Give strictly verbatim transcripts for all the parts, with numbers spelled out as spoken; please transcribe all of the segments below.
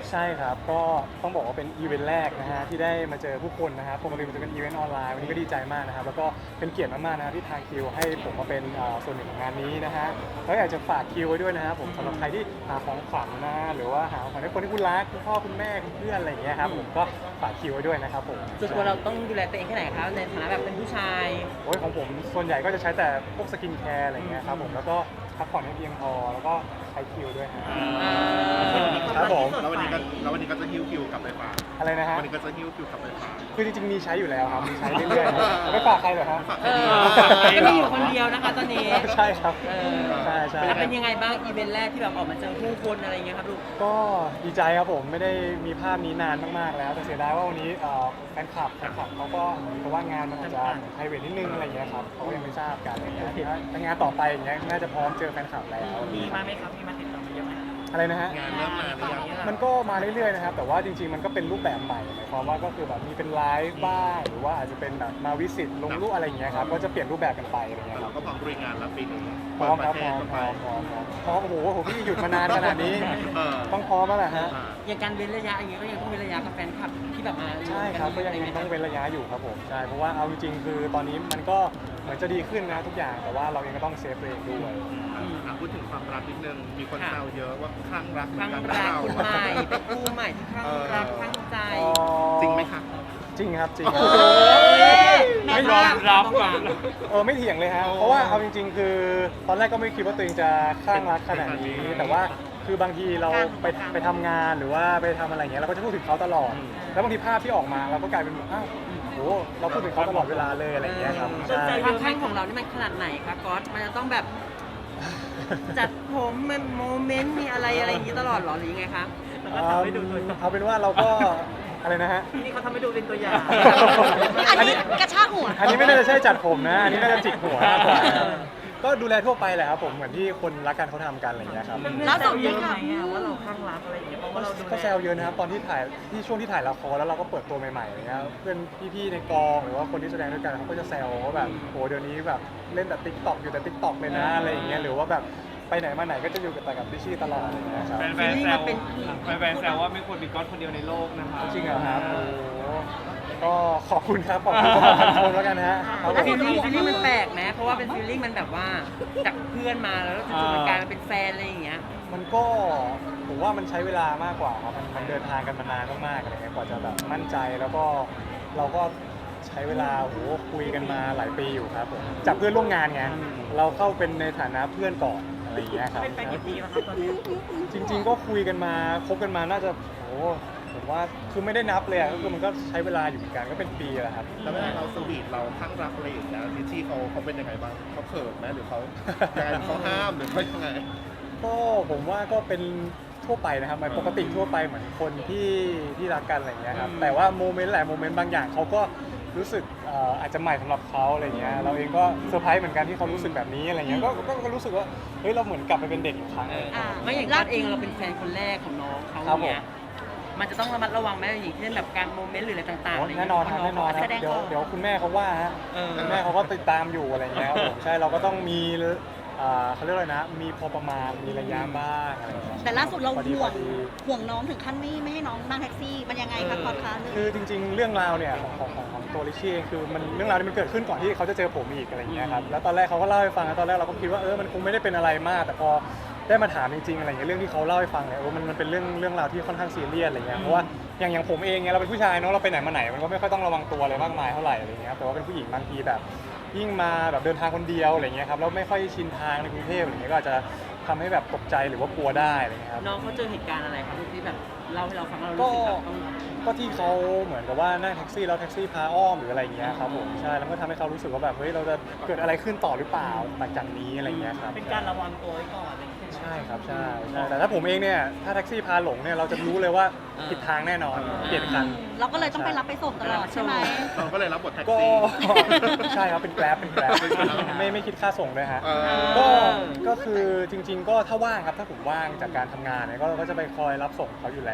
ใช่ครับก็ต้องบอกว่าเป็นอีเวนต์แรกนะฮะที่ได้มาเจอผู้คนนะครับปกติมันจะเป็นอีเวนต์ออนไลน์วันนี้ก็ดีใจมากนะครับแล้วก็เป็นเกียรติมากๆนะที่ทางคิวให้ผมมาเป็นอ่าส่วนหนึ่งของงานนี้นะฮะแล้วอยากจะฝากคิวไว้ด้วยนะครับผมสำหรับใครที่หาของขวัญนะหรือว่าหาของขวัญให้คนที่คุณรักคุณพ่อคุณแม่คุณเพื่อนอะไรอย่างเงี้ยครับผมก็ฝากคิวไว้ด้วยนะครับผมส่วนตัวเราต้องดูแลตัวเองแค่ไหนคะในฐานะแบบเป็นผู้ชายโอ้ยของผมส่วนใหญ่ก็จะใช้แต่พวกสกินแคร์อะไรเงี้ยครับผมแล้วก็พักผ่อนให้เพียงพอแล้วก็ใช้คิวด้วยฮะอ่าครับผมแล้ววันนี้ก็แล้ววันนี้ก็จะฮิ้วคิวกลับไปฝากอะไรนะฮะวันนี้ก็จะฮิ้วคิวกลับไปฝากคือจริงๆมีใช้อยู่แล้วครับมีใช้เรื่อยๆครับไม่ฝากใครเหรอครับฝากเอใครอดีก็มีอยู่คนเดียวนะคะตอนนี้ใช่ครับเออใช่ใช่แล้วเป็นยังไงบ้างอีเวนต์แรกที่แบบออกมาเจอผู้คนอะไรเงี้ยครับลูกก็ดีใจครับผมไม่ได้มีภาพนี้นานมากๆแล้วแต่เสียดายว่าวันนี้เอ่อแฟนคลับแฟนคลับเขาก็เหมือนกับว่างานมันอาจจะไพรเวทนิดนึงอะไรเงี้ยครับเขาก็ยังไม่ทราบกันอะไรเงี้ยถ้างานต่อไปอย่างเงี้ยน่าจะพร้อมเจอแฟนคลับแล้วมีมาไหมครับมีมาติดต่อมาเยอะไหมอะไรนะฮะงานเริ่มมาหรือยังมันก็มาเรื่อยๆนะครับแต่ว่าจริงๆมันก็เป็นรูปแบบใหม่หมายความว่าก็คือแบบมีเป็นไลฟ์บ้างหรือว่าอาจจะเป็นแบบมาวิสิตลงรูปอะไรอย่างเงี้ยครับก็จะเปลี่ยนรูปแบบกันไปอะไรเงี้ยคเรารับก็พร้อมบริงานแล้วปีนี้พร้อมครับเปิพร้อดมประพเทร้อศมพร้อมพร้อมพร้อมโอ้โหผมพี่หยุดมานานขนาดนี้เออต้องพร้อมแล้วแหละฮะอ่าอย่างการเว้นระยะอย่างเงี้ยก็ยังต้องเว้นระยะกับแฟนคลับที่แบบมาใช่ครับก็ยังต้องเว้นระยะอยู่ครับผมใช่เพราะว่าเอาจริงๆคือตอนนี้มันก็เหมือนจะดีขึ้นนะทุกอย่างแต่ว่าเราเองก็ต้องเซฟตัวเองด้วยอ่ะพูดถึงความรักนิดนึงมีคนแซวเยอะว่าคลั่งรักเหมืข้าอนงกันรักเราคนใหม่เป็นคู่ใหม่ที่ข้างรักข้างใจจริงไหมคะจริงครับจริงโอ้แม่ไม่ยอมรับก่อนเออไม่เถียงเลยฮะเพราะว่าเอาจริง ๆ คือตอนแรกก็ไม่คิดว่าตัวเองจะคลั่งรักขนาดนี้ แต่ว่าคือบางทีเราไปไปทำงานหรือว่าไปทำอะไรอย่างเงี้ยเราก็จะพูดถึงเขาตลอด แล้วบางทีภาพที่ออกมาเราก็กลายเป็นแบบอ้าวโหเราพูดถึงเขาตลอดเวลาเลยอะไรอย่างเงี้ยครับใช่ความข้างของเรานี่มันขนาดไหนคะก๊อตมันจะต้องแบบจัดผมมันโมเมนต์มีอะไรอะไรอย่างงี้ตลอดเหรอหรือยังไงคะเอาเอาเป็นว่าเราก็อะไรนะฮะนี่เขาทำให้ดูเป็นตัวอย่างอันนี้กระชากหัวอันนี้ไม่น่าจะใช่จัดผมนะ อันนี้น่าจะจิกหัวมากกว่าก็ดูแลทั่วไปแหละครับผมเหมือนที่คนรักกันเขาทำกันอะไรอย่างเงี้ยครับล่าสุดเยนี่อะไหมค่ะอะว่าเราข้างรักอะไรอย่างเงี้ยเพราะว่าเราดูก็แซวเยอะนะครับตอนที่ถ่ายที่ช่วงที่ถ่ายละครแล้วเราก็เปิดตัวใหม่ๆอะไรเงี้ยเพื่อนพี่ๆในกองหรือว่าคนที่แสดงด้วยกันเขาก็จะแซวว่าแบบโหเดี๋ยวนี้แบบเล่นแต่ติ๊กต็อกอยู่แต่ติ๊กต็อกเลยนะอะไรอย่างเงี้ยหรือว่าแบบไปไหนมาไหนก็จะอยู่กับแต่กับพี่ชี่ตลอดอะไรเงี้ยครับแฟนๆแซวแฟนๆแซวว่าไม่ควรมีก๊อตคนเดียวในโลกนะคะจริงเหรอครับโอ้โหก็ขอบคุณครับขอบคุณสำหรับคำชมแล้วกันนะฮะครับผฟีมลลิ่งฟีลลิ่งมันแปลกไหมเพราะว่าเป็นฟีลลิ่งมันแบบว่าจากเพื่อนมาแล้วจู่ๆมันกลายมาเป็นแฟนอะไรอย่างเงี้ยมันก็ผมว่ามันใช้เวลามากกว่าครับมันมันเดินทางกันมานานมากๆอะไรเงี้ยกว่าจะแบบมั่นใจแล้วก็เราก็ใช้เวลาโหคุยกันมาหลายปีอยู่ครับผมจากเพื่อนร่วมงานไงเราเข้าเป็นในฐานะเพื่อนก่อนอะไรอย่างเงี้ยครับเป็นแฟนกี่ปีแล้วครับตอนนี้จริง ๆ ก็คุยกันมาคบกันมาน่าจะโหผมว่าคือไม่ได้นับเลยอะก็คือมันก็ใช้เวลาอยู่เหมือนกันก็เป็นปีแหละครับแล้วเวลาเราสวีทเราคลั่งรักอะไรอย่างเงี้ยทิชชี่เขาเขาเป็นยังไงบ้างเขาเขินไหมหรือเขายังไงเขาห้ามหรือเขายังไงก็ผมว่าก็เป็นทั่วไปนะครับมันปกติทั่วไปเหมือนคนที่ที่รักกันอะไรอย่างเงี้ยครับแต่ว่าโมเมนต์หลายโมเมนต์บางอย่างเขาก็รู้สึกเอ่ออาจจะใหม่สำหรับเขาอะไรเงี้ยเราเองก็เซอร์ไพรส์เหมือนกันที่เขารู้สึกแบบนี้อะไรเงี้ยก็ก็ก็รู้สึกว่าเฮ้ยเราเหมือนกลับไปเป็นเด็กอีกครั้งหนึ่งอ่าไม่อย่างก๊อตเองเราเป็นแฟนคนแรกของน้องเขาครับผมเนี่ยมันจะต้องระมัดระวังไหมอย่างเช่นแบบการโมเมนต์หรืออะไรต่างๆโอ้อะไรอย่างแน่เงี้ยนอนครับแน่นอนครับแสดงเดี๋ยวออกเดี๋ยวคุณแม่เขาว่าฮะเออคุณแม่เขาก็ติดตามอยู่อะไรเงี้ยครับผมใช่เราก็ต้องมีอ่าเขาเรียกอะไรนะมีพอประมาณมีระยะบ้างอะไรเงี้ยแต่ล่าสุดเราพอดีห่วงพอดีห่วงน้องถึงขั้นไม่ไม่ให้น้องนั่งแท็กซี่ มันยังไงคะพอดคาสต์คือจริงๆ เรื่องราวเนี่ยของของของของตัวลิชี่เองคือมันเรื่องราวนี้มันเกิดขึ้นก่อนที่เขาจะเจอผมอีกอะไรอย่างเงี้ยครับแล้วตอนแรกเขาก็เล่าให้ฟังแล้วตอนแรกเราก็คิดว่าเออมันคงไม่ได้เป็นอะไรมาก แต่พอได้มาถามจริงๆอะไรอย่างเงี้ยเรื่องที่เขาเล่าให้ฟังเนี่ยโอ้มันมันเป็นเรื่องเรื่องราวที่ค่อนข้างซีเรียสอะไรเงี้ยเพราะว่าอย่างอย่างผมเองเนี่ยเราเป็นผู้ชายเนาะเราไปไหนมาไหนมันก็ไม่ค่อยต้องระวังตัวอะไรมากมายเท่าไหร่อะไรเงี้ยครับแต่ว่าเป็นผู้หญิงบางทีแบบยิ่งมาแบบเดินทางคนเดียวอะไรเงี้ยครับแล้วไม่ค่อยชินทางในกรุงเทพอะไรเงี้ยก็อาจจะทำให้แบบตกใจหรือว่ากลัวได้อะไรเงี้ยครับน้องเขาเจอเหตุการณ์อะไรครับที่แบบเล่าให้เราฟังแล้วเราก็รู้สึกแบบต้องก็ที่เขาเหมือนกับว่านั่งแท็กซี่แล้วแท็กซี่พาอ้อมหรืออะไรอย่างเงี้ยครับผมใช่แล้วก็ทำให้เขารู้สึกว่าแบบเฮ้ยเราจะเกิดอะไรขึ้นต่อหรือเปล่าหลังจากนี้อะไรอย่างเงี้ยครับเป็นการระวังตัวไว้ก่อนอะไรอย่างเงี้ยใช่ครับใช่ใช่แต่ถ้าผมเองเนี่ยถ้าแท็กซี่พาหลงเนี่ยเราจะรู้เลยว่าผิดทางแน่นอนเปลี่ยนคันเราก็เลยต้องไปรับไปส่งตลอดใช่ไหมเราก็เลยรับบทแท็กก็ซี่ใช่ครับเป็นแกร็บเป็นแกร็บไม่ไม่คิดค่าส่งด้วยฮะเออก็ก็คือจริง ๆ ก็ถ้าว่างครับถ้าผมว่างจากการทำงานเนี่ยก็ก็จะไปคอยรับส่งเขาอยู่แล้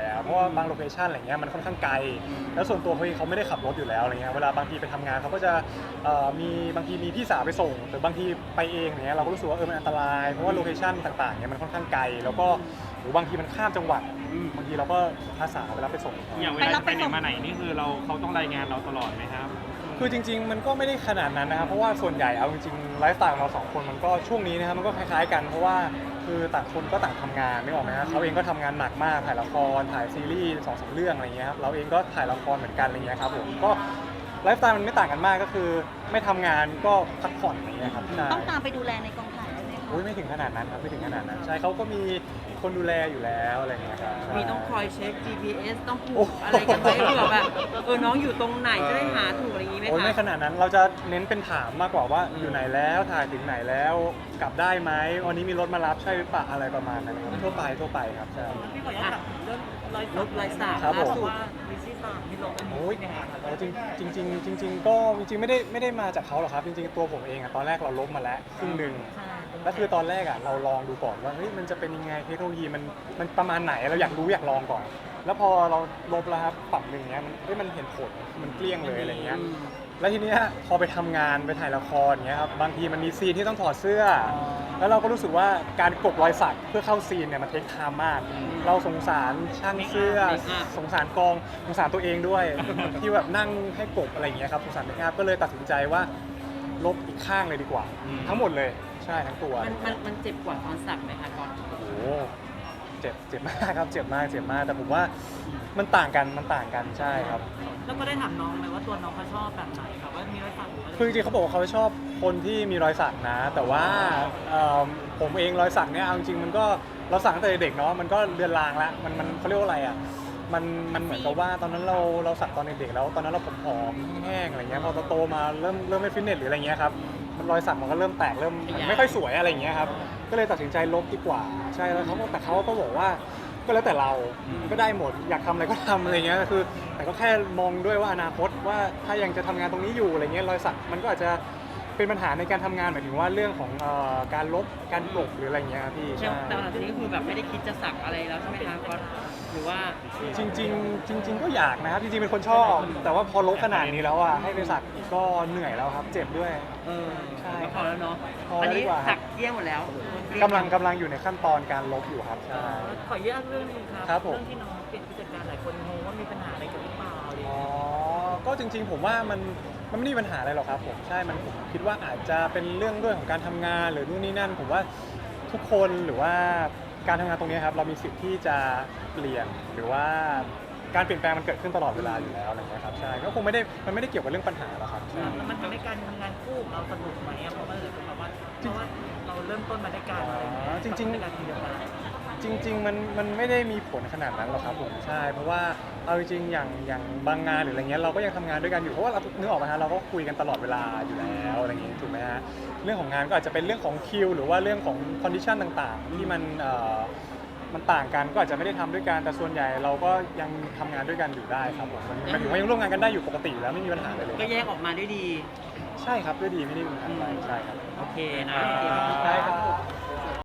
อะเพราะว่าบางโลเคชันอะไรเงี้ยมันค่อนข้างไกลแล้วส่วนตัวเขาเองเขาไม่ได้ขับรถอยู่แล้วอะไรเงี้ยเวลาบางทีไปทำงานเขาก็จะเอ่อมีบางทีมีพี่สาวไปส่งหรือบางทีไปเองเนี้ยเราก็รู้สึกว่าเออมันอันตรายเพราะว่าโลเคชันต่างๆเนี่ยมันค่อนข้างไกลแล้วก็หรือบางทีมันข้ามจังหวัดบางทีเราก็อาสาไปรับไปส่งอย่างเวลาจะไปไหนมาไหนนี่คือเราเขาต้องรายงานเราตลอดไหมครับคือจริงๆ มันก็ไม่ได้ขนาดนั้นนะครับ เพราะว่าส่วนใหญ่เอาจริงๆ ไลฟ์สไตล์ของเราสองคนมันก็ช่วงนี้นะครับมันก็คล้ายๆกัน เพราะว่าคือต่างคนก็ต่างทำงานไม่ออกไหมครับเขาเองก็ทำงานหนักมากถ่ายละครถ่ายซีรีส์สองสามเรื่องอะไรเงี้ยครับเราเองก็ถ่ายละครเหมือนกันอะไรเงี้ยครับผมก็ไลฟ์สไตล์มันไม่ต่างกันมากก็คือไม่ทำงานก็พักผ่อนอะไรเงี้ยครับใช่ต้องตามไปดูแลในกองถ่ายใช่ไหมคะอุ้ยไม่ถึงขนาดนั้นครับไม่ถึงขนาดนั้นใช่เขาก็มีคนดูแลอยู่แล้วอะไรเงี้ยครับใช่มีต้องคอยเช็ค จี พี เอส ต้องผูโอ้กอะไรกันไว้เผื่อแบบเออน้องอยู่ตรงไหนจะได้หาถูกอะไรอย่างงี้ไหมโอ้ยไม่ขคะนาดนั้นเราจะเน้นเป็นถามมากกว่าว่าอยู่ไหนแล้วถ่ายถึงไหนแล้วกลับได้ไหมวันนี้มีรถมารับใช่หรือเปล่าอะไรประมาณนั้นครับทั่วไปทั่วไปครับใช่พี่ขออนุญาตถามเรื่องรอยรถลายสากครับผมล่าสุดว่าลิซี่สามที่ลงอันนี้โอ้ยเป็นยังไงครับเอาจริงจริงจริงจริงๆก็จริงๆไม่ได้ไม่ได้มาจากเขาหรอกครับ จริงๆตัวผมเองอะตอนแรกเราลบมาแล้วครึ่งหนึ่งใช่แล้วคือตอนแรกอะเราลองดูก่อนว่าเฮ้ยมันจะเป็นยังไงเทคโนโลยีมันมันประมาณไหนเราอยากรู้อยากลองก่อน แล้วพอเราลบแล้วครับปรับหนึ่งเนี้ยมันเฮ้ยมันเห็นผลมันเกลี้ยงเลยอะไรเงี้ยอืมแล้วทีเนี้ยพอไปทำงานไปถ่ายละครเงี้ยครับบางทีมันมีซีนที่ต้องถอดเสื้อ แล้วเราก็รู้สึกว่าการกบรอยสักเพื่อเข้าซีนเนี่ยมันเทคไทม์มาก เราสงสารช่างเสื้อเมคอัพสงสารกองสงสารตัวเองด้วย ที่แบบนั่งให้กบอะไรอย่างเงี้ยครับสงสารเมคอัพก็เลยตัดสินใจว่าลบอีกข้างเลยดีกว่า ทั้งหมดเลยใช่ทั้งตัวมันมันมันเจ็บกว่าตอนสักไหมคะก่อนโอ้โหเจ็บเจ็บมากครับเจ็บมากเจ็บมากแต่ผมว่ามันต่างกันมันต่างกันใช่ครับแล้วก็ได้ถามน้องไหมว่าตัวน้องเขาชอบแบบไหนครับว่ามีรอยสักหรือว่าคือจริงๆเขาบอกว่าเขาชอบคนที่มีรอยสักนะ แต่ว่าเอิ่มผมเองรอยสักเนี่ยเอาจริงๆมันก็เราสักตั้งแต่เด็กเนาะมันก็เรือนรางแล้วมันมันเขาเรียกว่าอะไรอ่ะมันมันเหมือนกับว่าตอนนั้นเราเราสักตอนเด็กๆแล้ว ตอนนั้นเราผอมๆแห้งๆอะไรเงี้ยพอโตๆมาเริ่มเริ่มไม่ฟิตเนสหรืออะไรเงี้ยครับมันรอยสักมันก็เริ่มแตกเริ่มไม่ค่อยสวยอะไรเงี้ยครับก็เลยตัดสินใจลบดีกว่าใช่แล้วเขาก็แต่เขาก็บอกว่าก็แล้วแต่เราก็ได้หมดอยากทำอะไรก็ทำอะไรเงี้ยคือ แต่ก็แค่มองด้วยว่าอนาคตว่าถ้ายังจะทำงานตรงนี้อยู่อะไรเงี้ยรอยสักมันก็อาจจะเป็นปัญหาในการทำงานหมายถึงว่าเรื่องของเอ่อการลบการปลกหรืออะไรเงี้ยครับพี่ใช่ใช่แต่หลังจากนี้ก็คือแบบไม่ได้คิดจะสักอะไรแล้วใช่ไหมคะก๊อตหรือว่าจริงๆจริง ๆ ก็อยากนะครับจริงๆเป็นคนชอบ แต่ว่าพอลบขนาดนี้แล้วอ่ะให้ไปสักก็เหนื่อยแล้วครับ เจ็บด้วยเออใช่ก็พอแล้วเนาะพอแล้วอันนี้ดีกว่าสักเกลี้ยงหมดแล้วกำลังกำลังอยู่ในขั้นตอนการลบอยู่ครับใช่ขออนุญาตเรื่องนึงครับครับผมเรื่องที่น้องเปลี่ยนผู้จัดการหลายคนงงว่ามีปัญหาอะไรกันหรือเปล่าอะไรอย่างอ๋อเงี้ยก็จริงๆผมว่ามันมันไม่ได้มีปัญหาอะไรหรอกครับผมใช่มันผมคิดว่าอาจจะเป็นเรื่องด้วยของการทำงานหรือนู่นนี่นั่น ผมว่าทุกคนหรือว่าการทำงานตรงนี้ครับเรามีสิทธิ์ที่จะเปลี่ยนหรือว่าการเปลี่ยนแปลงมันเกิดขึ้นตลอดเวลาอยู่แล้วอะไรเงี้ยครับใช่ก็คงไม่ได้มันไม่ได้เกี่ยวกับเรื่องปัญหาหรอกครับใช่แล้วมันทำให้การทำงานคู่ของเราสนุกไหมอะเพราะว่าเลยเพราะว่าเพราะว่าเราเริ่มต้นมาด้วยกันอะไรอย่างเงี้ยอ๋อจริงๆในการทีมเดียวกันจริง ๆ มันมันไม่ได้มีผลขนาดนั้นหรอกครับผมใช่เพราะว่าเอาจริงๆอย่างอย่างบางงานหรืออะไรเงี้ยเราก็ยังทำงานด้วยกันอยู่เพราะว่าเรานึกออกไหมฮะเราก็คุยกันตลอดเวลาอยู่แล้วอะไรอย่างงี้ถูกไหมฮะเรื่องของงานก็อาจจะเป็นเรื่องของคิวหรือว่าเรื่องของคอนดิชันต่างๆ ที่มันเอ่อมันต่างกันก็อาจจะไม่ได้ทำด้วยกันแต่ส่วนใหญ่เราก็ยังทำงานด้วยกันอยู่ได้ครับผมมันหมายถึงว่ายังร่วมงานกันได้อยู่ปกติอยู่แล้วไม่มีปัญหาอะไรเลยก็แยกออกมาด้วยดีใช่ครับด้วยดีไม่ได้มีปัญหาอะไรใช่ครับโอเคนะโอเคใช่ครับ